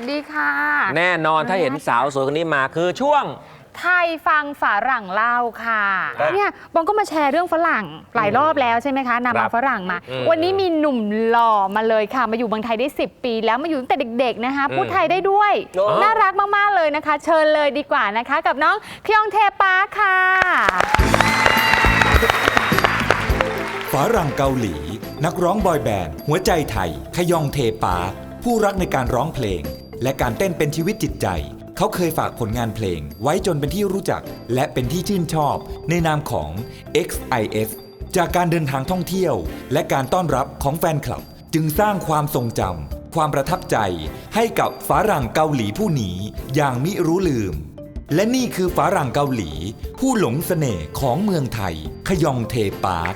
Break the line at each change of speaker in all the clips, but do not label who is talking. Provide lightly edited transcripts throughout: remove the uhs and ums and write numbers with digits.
ดีค่ะ
แน่นอนถ้าเห็นสาวสวยคนนี้มาคือช่วง
ไทยฟังฝรั่งเล่าค่ะเนี่ยบองก็มาแชร์เรื่องฝรั่งหลายรอบแล้วใช่ไหมคะนำมาฝรั่งมาวันนี้มีหนุ่มหล่อมาเลยค่ะมาอยู่เมืองไทยได้10 ปีแล้วมาอยู่ตั้งแต่เด็กๆนะคะพูดไทยได้ด้วยน่ารักมากๆเลยนะคะเชิญเลยดีกว่านะคะกับน้องคยองเทปาค่ะ
ฝรั่งเกาหลีนักร้องบอยแบนด์หัวใจไทยขยองเทปาผู้รักในการร้องเพลงและการเต้นเป็นชีวิตจิตใจเขาเคยฝากผลงานเพลงไว้จนเป็นที่รู้จักและเป็นที่ชื่นชอบในนามของ XIS จากการเดินทางท่องเที่ยวและการต้อนรับของแฟนคลับจึงสร้างความทรงจำความประทับใจให้กับฝรั่งเกาหลีผู้นี้อย่างมิรู้ลืมและนี่คือฝรั่งเกาหลีผู้หลงเสน่ห์ของเมืองไทยขยองเทปา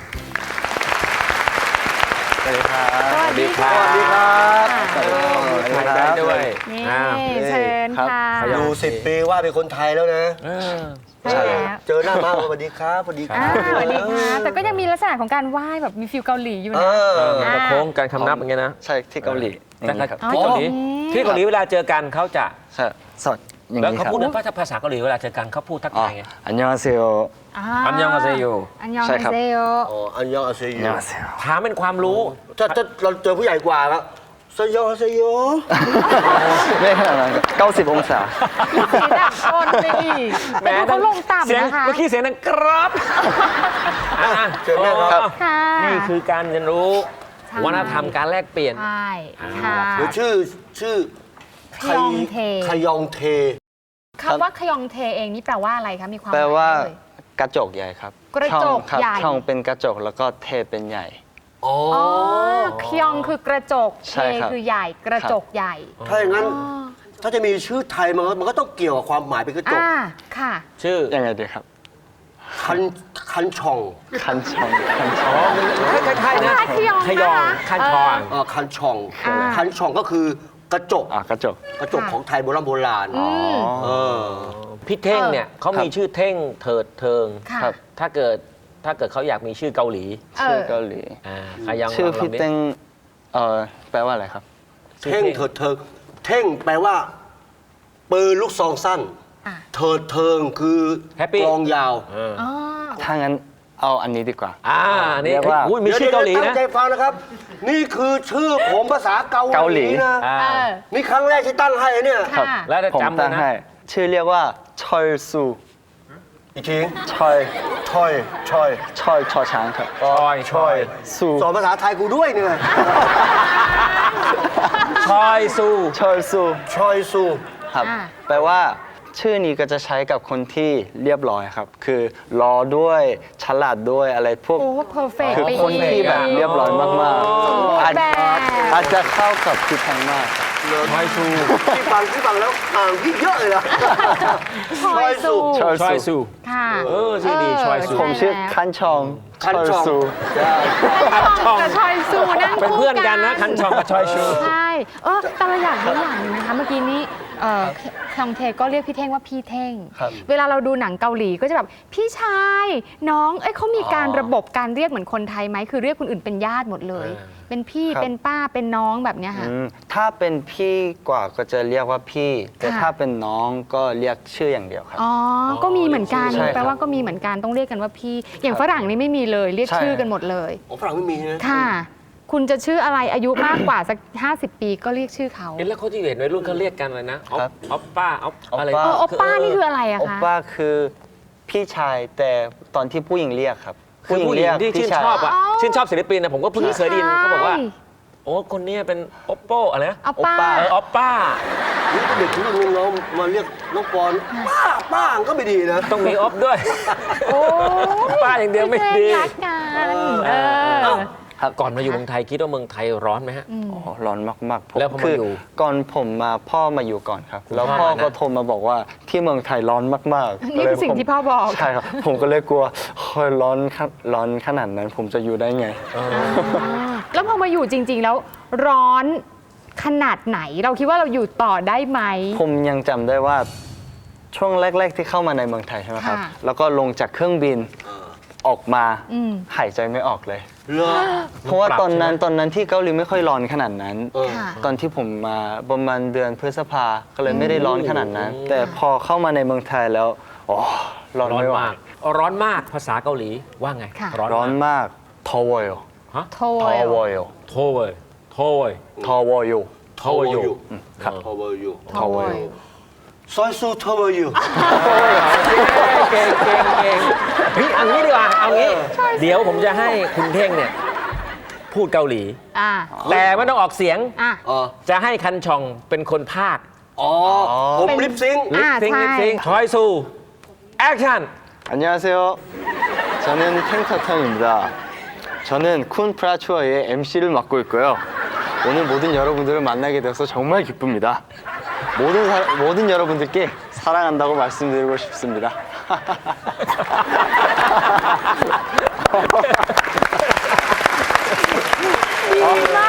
สวัสดีครับ
สวัสดีครับ
สวัสดีครับ
ไทยได้ด้วย
นี่เชิญค่ะ
อยู่10 ปีว่าเป็นคนไทยแล้วนะ
ใช่แล้ว
เจอหน้ามาสวัสดีครับสวัสดีครับ
สวัสดีค่ะแต่ก็ยังมีลักษณะของการไหว้แบบมีฟิลเกาหลีอยู่นะ
กระโค้งการคำนับอย่างเงี้ยนะ
ใช่ที่เกาหลี
ที่เกาหลีที่เกาหลีเวลาเจอกันเขาจะ
สดอย่าง
แล้ว
นี้ค
เขา
รับ
พูดภาษาเกาหลีเวลาเจอกันเขาพูดทักทายไง
อันยองอาเซโย
อันยองอาเซโย
อันยองอาเซโย
อันยองอาเซโย
ถามเป็นความรู้
ถ้าเราเจอผู้ใหญ่กว่าครับเซโยเซโยไม่ขนาดนั้น90 องศา
สีดับต้นไปอีกแต่เขาลงต่ำนะคะ
เมื่อกี้เสียงดังกรอบ
เชิญนะครับ
นี่คือการเรียนรู้วัฒนธรรมการแลกเปลี่ยน
ใช่ค่ะ
หรือชื่อ
ขยองเท
ขยองเท
คำว่าขยองเทเองนี่แปลว่าอะไรคะมีความหมาย
แปลว่ากระจกใหญ่ครับ
กระจกใหญ่
ช่องเป็นกระจกแล้วก็เทเป็นใหญ่
อ๋อขยองคือกระจกเทคือใหญ่กระจกใหญ่
ถ้าอย่างนั้นถ้าจะมีชื่อไทยมันก็ต้องเกี่ยวกับความหมายเป็นกระจก
ค่ะ
ชื่อ
ยังไงดีครับคันช่องคันช่อง
คล้ายๆนะ
ขยอง
คันช่อง
คันช่องคันช่องก็คือกระจกกระจกของไทยโบราณ
พี่เท่งเนี่ยเขามีชื่อเท่งเถิดเทิงถ้าเกิดเขาอยากมีชื่อเกาหลี
ชื่อเกาหลีชื่อพี่เท่งแปลว่าอะไรครับเท่งเถิดเทิงเท่งแปลว่าปืนลูกซองสั้นเถิดเทิงคือกลองยาวถ้างั้นเอาอันนี้ดีกว่า
นี่ว่ามีชื่อเกาหลีนะ
ตั้งใจฟังนะครับนี่คือชื่อผมภาษาเกาหลีนะนี่ครั้งแรกที่ตั้งให้เนี่ย
แล้วจำนะ
ชื่อเรียกว่าชอยซูอีกทีชอยชอช้างครับชอยซูสอนภาษาไทยกูด้วยเนี่ย
ชอยซู
ครับแปลว่าชื่อนี้ก็จะใช้กับคนที่เรียบร้อยครับคือรอด้วยฉลาดด้วยอะไรพวกคือคนที่แบบเรียบร้อยมากๆอาจจะเข้ากับพี่แพงมาก
ชอยซู
พี่ฟังแล้วอ่างพี่เยอะเลยนะ
ชอย
ซู
ค่ะ
ชื่อดีชอยซู
ผมชื่อคันชองซู
กับชอยซูนั่ง
เป็นเพื่อนกันนะคันชองกับชอยซู
ใช่แต่เราอยากรู้อย่างนึงนะคะเมื่อกี้นี้คยองเทก็เรียกพี่เท่งว่าพี่เท่งเวลาเราดูหนังเกาหลีก็จะแบบพี่ชายน้องเขามีการระบบการเรียกเหมือนคนไทยไหมคือเรียกคนอื่นเป็นญาติหมดเลยเป็นพี่เป็นป้าเป็นน้องแบบเนี้ยค่ะ
ถ้าเป็นพี่กว่าก็จะเรียกว่าพี่แต่ถ้าเป็นน้องก็เรียกชื่ออย่างเดียวครับ
ก็มีเหมือนกันแปลว่าก็มีเหมือนกันต้องเรียกกันว่าพี่อย่างฝรั่งนี่ไม่มีเลยเรียกชื่อกันหมดเลย
ฝรั่งไม่มีนะ
ค่ะคุณจะชื่ออะไรอายุมากกว่าสัก50 ปีก็เรียกชื่อเขา
แล้วเขาที่เห็นวัยรุ่นเขาเรียกกันอะไรนะออปป้าอะไร
ออปป้านี่คืออะไรอะคะ
ออปป้าคือพี่ชายแต่ตอนที่ผู้หญิงเรียกครับ
ผู้หญิงที่ชื่นชอบศิลปินนะผมก็เพิ่งเคยได้ยินเขาบอกว่าโอ้คนนี้เป็นโอปโป้อะไรนะ
ออป
ป้า
เด็กที่ลุงเรามาเรียกน้องปอนป้าก็ไม่ดีนะ
ต้องมีออฟด้วยป้าอย่างเดียวไม่ดีก่อนมาอยู่เมืองไทยคิดว่าเมืองไทยร้อนไหมฮะ
ร้อนมาก
ๆแล้วพอมาอยู่
ก่อนผมมาพ่อมาอยู่ก่อนครับแล้วพ่อก็โทรมาบอกว่าที่เมืองไทยร้อนมาก
ๆนี่เป็นสิ่งที่พ่อบอก
ใช่ครับผมก็เลยกลัวร้อนขนาดนั้นผมจะอยู่ได้ไง
แล้วพอมาอยู่จริงๆแล้วร้อนขนาดไหนเราคิดว่าเราอยู่ต่อได้ไหม
ผมยังจำได้ว่าช่วงแรกๆที่เข้ามาในเมืองไทยใช่ไหมครับแล้วก็ลงจากเครื่องบินออกมาหายใจไม่ออกเลยเหรอ
เพราะว่าตอนนั้นที่เกาหลีไม่ค่อยร้อนขนาดนั้น
ค่ะ
ตอนที่ผมมาประมาณเดือนพฤษภาก็เลยไม่ได้ร้อนขนาดนั้น แต่พอเข้ามาในเมืองไทยแล้วอ๋อร้อน
ร้อน
ไม่ไหว
มากร้อนมากภาษาเกาหลีว่าไง
ค่ะ
ร้อนมากทอวอย
โท
ทอวอย
โทเวยโทเวย
ทอวอย
โทเวยอยู่
ครับ
How are you
ทอวอย
ซอยซู How are you
เก่งเฮ้ยเอางี้ดีกว่าเอางี้ เดี๋ยวผมจะให้คุณเท่งเนี่ยพูดเกาหลี
อ่า
แต่ไม่ต้องออกเสียง
อ่ะ
อ๋อ
จะให้คันชองเป็นคนภาค
อ๋อ ผมลิปซิงค์
อ่า
ซิง
ใช่
ลิปซิงชอยซูแอคชั่น
안녕하세요. 저는 탱터탕입니다. 저는 쿤 프라추어의 MC를 맡고 있고요. 오늘 모든 여러분들을 만나게 되어서 정말 기쁩니다. 모든 여러분들께 사랑한다고 말씀드리고 싶습니다.
ดีมาก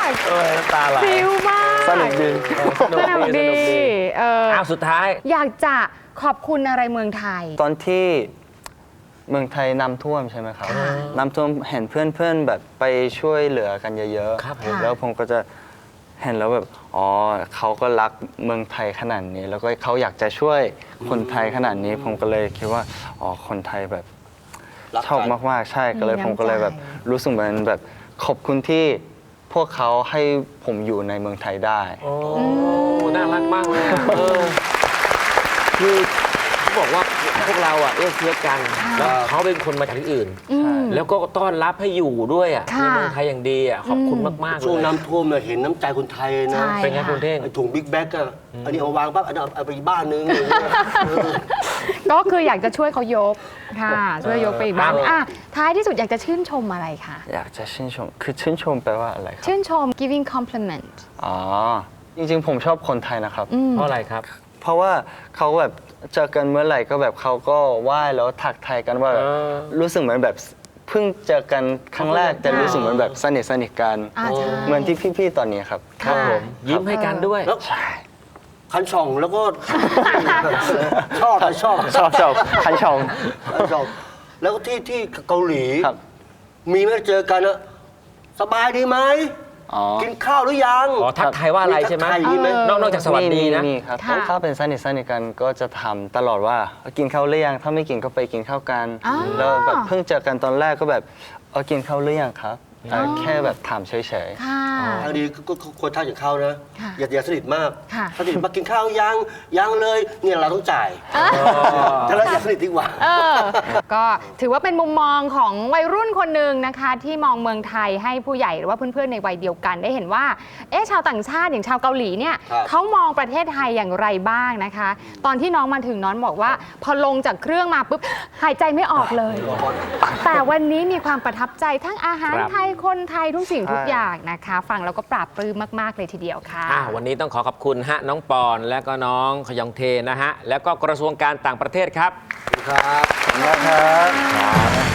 ตาไหล
ฟิวมาก
사는들
สนุกดีเออ
อ้าวสุดท้าย
อยากจะขอบคุณอะไรเมืองไทย
ตอนที่เมืองไทยน้ำท่วมใช่ไหมครับ
ค่ะ
น้ำท่วมเห็นเพื่อนๆแบบไปช่วยเหลือกันเยอะ
ครับผม
แล้วผมก็จะเห็นแล้วแบบอ๋อเขาก็รักเมืองไทยขนาดนี้ แล้วก็เขาอยากจะช่วยคนไทยขนาดนี้ ผมก็เลยคิดว่าอ๋อคนไทยแบบ
รักกัน
ชอบมากๆใช่ก็เลย
มีน้ำ
ผมก็เลยแบบ
ใจ
รู้สึกเหมือนแบบขอบคุณที่พวกเขาให้ผมอยู่ในเมืองไทยได้
โอ้น่ารักมากเลยอะคือเขาบอกว่าพวกเราอ่ะเอื้อเฟื้อกัน แล้วเขาเป็นคนมาจากที่อื่น
อืม
แล้วก็ต้อนรับให้อยู่ด้วยอ่ะ
ค่ะ
ในเมืองไทยอย่างดีอ่ะขอบคุณมากๆเล
ช่วง
ย
น้ำท่วมเนี่ยเห็นน้ำใจคนไทยนะ
ใช่
เป็นไงคุณเท่ง
ไอ้ถุงบิ๊กแบ็กอะอันนี้เอาวางปั๊บอันนี้เอาไปอีกบ้านนึงอะไรอย่างเงี้ยเออ
ก็คืออยากจะช่วยเขายกค่ะ ช่วยยกไปอีกบ้าง
ครับ
อ่ะท้ายที่สุดอยากจะชื่นชมอะไรคะ
อยากจะชื่นชมคือชื่นชมแปลว่าอะไรครับ
ชื่นชม giving compliment
อ๋อจริงๆผมชอบคนไทยนะครับ
อืม
เพราะอะไรครับ
เพราะว่าเขาแบบเจอกันเมื่อไหร่ก็แบบเขาก็ไหว้แล้วทักทายกันว่าแบบ
เออ
รู้สึกเหมือนแบบเพิ่งเจอกันครั้งแรกแต่รู้สึกเหมือนแบบสนิทกัน
อ่าใช่
เหมือนที่พี่ๆตอนนี้ครับ
ครับผมยิ้มให้กันด้วย
แล้ว
ใช่
คันช่องแล้วก็ ชอบชอบ
ชอบคันชม
คันช่องแล้วก็ที่เกาหลี
ครับ
มีไหมเจอกันอะสบายดีไหม
อ๋อ
กินข้าวหรือยัง
อ๋อทักทายว่าอะไรใช่ไหม
ทักทายอย่างนี้ไหม
นอกจากสวัสดีนะ
มีครับ
ค่ะ
ถ้าเป็นสนิทกันก็จะทำตลอดว่ากินข้าวหรือยังถ้าไม่กินก็ไปกินข้าวกัน
อ๋อ
แล้วแบบเพิ่งเจอกันตอนแรกก็แบบกินข้าวหรือยังครับแค่แบบถามเฉย
ค่ะ
ทางดีก็ควรทักอย่างเขานะ
ค่ะ
อย่าสนิทมาก
ค่ะ
ถ้าสนิทมากินข้าวยังเลยเนี่ยเราต้องจ่ายถ้าเราอย่าสนิทดีกว่า
เออ ก็ถือว่าเป็นมุมมองของวัยรุ่นคนหนึ่งนะคะ ที่มองเมืองไทยให้ผู้ใหญ่หรือว่าเพื่อนๆในวัยเดียวกันได้เห็นว่าชาวต่างชาติอย่างชาวเกาหลีเนี่ย
ครับ
เขามองประเทศไทยอย่างไรบ้างนะคะ ตอนที่น้องมาถึงน้องบอกว่า พอลงจากเครื่องมาปุ๊บหายใจไม่ออกเลย แต่วันนี้มีความประทับใจทั้งอาหาร
ครับ
ไทยคนไทยทุกสิ่งทุกอย่างนะคะ ฟังแล้วก็ปราบปลื้มมากๆเลยทีเดียวค่ะ
วันนี้ต้องขอบคุณฮะน้องปอนและก็น้องขยองเทนะฮะ แล้วก็กระทรวงการต่างประเทศครับ
ครับ
ๆนะครับ